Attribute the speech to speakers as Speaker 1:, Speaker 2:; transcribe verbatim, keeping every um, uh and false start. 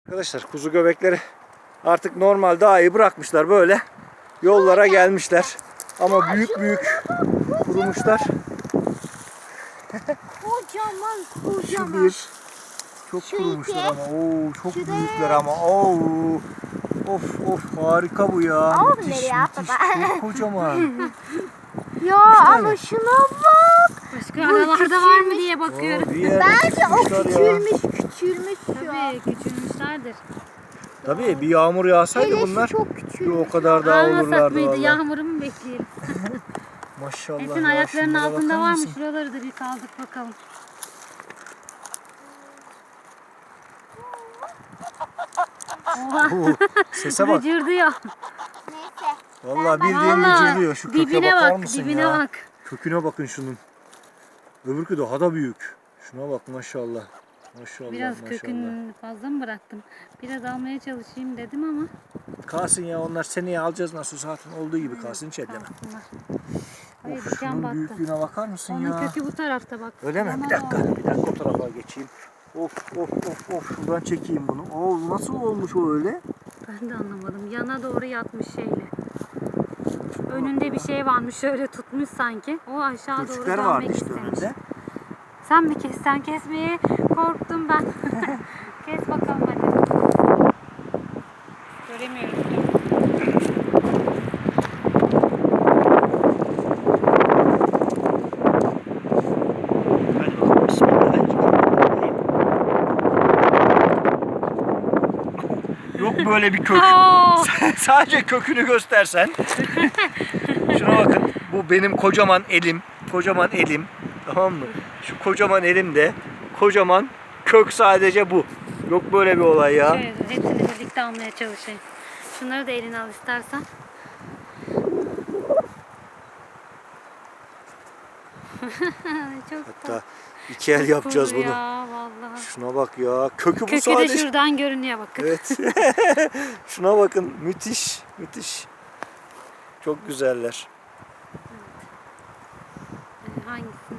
Speaker 1: Arkadaşlar kuzu göbekleri artık normal dağı bırakmışlar, böyle yollara gelmişler. Ama büyük büyük kurumuşlar.
Speaker 2: Kocaman
Speaker 1: Şu
Speaker 2: kocaman.
Speaker 1: bir. Çok
Speaker 2: Şu
Speaker 1: kurumuşlar
Speaker 2: iki.
Speaker 1: ama. Oo, çok
Speaker 2: Şu
Speaker 1: büyükler
Speaker 2: dört.
Speaker 1: ama. Oo. Of of, harika bu ya.
Speaker 2: Al
Speaker 1: Müthiş
Speaker 2: nereye
Speaker 1: müthiş.
Speaker 2: baba?
Speaker 1: Çok kocaman.
Speaker 2: Ya
Speaker 1: tane.
Speaker 2: ama şuna bak.
Speaker 3: Başka aralarda var mı diye bakıyorum.
Speaker 1: Oo, bir yerde
Speaker 2: Bence o
Speaker 1: çıkmışlar ya.
Speaker 2: küçülmüş küçülmüş şu an.
Speaker 3: Tabii küçülmüşlerdir.
Speaker 1: Tabii bir yağmur yağsaydı
Speaker 2: Hele
Speaker 1: bunlar
Speaker 2: şu çok
Speaker 1: bir
Speaker 2: küçülmüş.
Speaker 1: o kadar daha
Speaker 3: Almasak
Speaker 1: olurlardı
Speaker 3: mıydı?
Speaker 1: vallahi.
Speaker 3: Yağmuru mu bekleyelim?
Speaker 1: Maşallah.
Speaker 3: Esin
Speaker 1: ya,
Speaker 3: ayaklarının
Speaker 1: şunlara
Speaker 3: altında
Speaker 1: bakar
Speaker 3: var mı?
Speaker 1: mısın?
Speaker 3: Şuraları da bir kaldık bakalım. Oha.
Speaker 1: Oo, sese bak.
Speaker 3: Gıcırdıyor.
Speaker 2: Neyse.
Speaker 1: Vallahi bildiğin
Speaker 3: Vallahi
Speaker 1: gıcırdıyor. Şu köke
Speaker 3: dibine
Speaker 1: bakar
Speaker 3: bak,
Speaker 1: mısın
Speaker 3: dibine
Speaker 1: ya?
Speaker 3: bak.
Speaker 1: Köküne bakın şunun. Öbürkü daha da büyük. Şuna bak maşallah. Maşallah
Speaker 3: Biraz
Speaker 1: maşallah.
Speaker 3: kökünü fazla mı bıraktım? Biraz almaya çalışayım dedim ama.
Speaker 1: Kalsın ya, onlar seneye alacağız nasıl zaten olduğu gibi kalsın, hiç elleme.
Speaker 3: Kalsınlar. Hayır,
Speaker 1: Of,
Speaker 3: diken
Speaker 1: şunun
Speaker 3: battı.
Speaker 1: büyüklüğüne bakar mısın
Speaker 3: Onun
Speaker 1: ya?
Speaker 3: kökü bu tarafta bak.
Speaker 1: Öyle mi?
Speaker 3: Yana
Speaker 1: Bir dakika.
Speaker 3: doğru.
Speaker 1: Bir dakika o tarafa geçeyim. Of of of of, şuradan çekeyim bunu. Oo, nasıl olmuş o öyle?
Speaker 3: Ben de anlamadım. Yana doğru yatmış şeyle. Önünde bir şey varmış, şöyle tutmuş sanki. O aşağı doğru
Speaker 1: Türkler
Speaker 3: dönmek
Speaker 1: vardı işte
Speaker 3: istemiş.
Speaker 1: önünde.
Speaker 3: Sen mi kes? Sen kesmeye korktum ben. Kes bakalım hadi. Göremiyorum.
Speaker 1: Hadi bakalım, bismillahirrahmanirrahim. Yok böyle bir kök.
Speaker 3: Aa!
Speaker 1: Sadece kökünü göstersen. Şuna bakın. Bu benim kocaman elim. Kocaman elim. Tamam mı? Şu kocaman elimde kocaman kök, sadece bu. Yok böyle bir olay ya.
Speaker 3: Şöyle hepsini birlikte almaya çalışayım. Şunları da eline al istersen. Çok
Speaker 1: Hatta iki el yapacağız
Speaker 3: cool
Speaker 1: bunu.
Speaker 3: ya vallahi.
Speaker 1: Şuna bak ya. Kökü bu
Speaker 3: Kökü de
Speaker 1: sadece.
Speaker 3: şuradan görünüyor bak.
Speaker 1: Evet. Şuna bakın. Müthiş. Müthiş. Çok güzeller.
Speaker 3: Ee, Hangisi?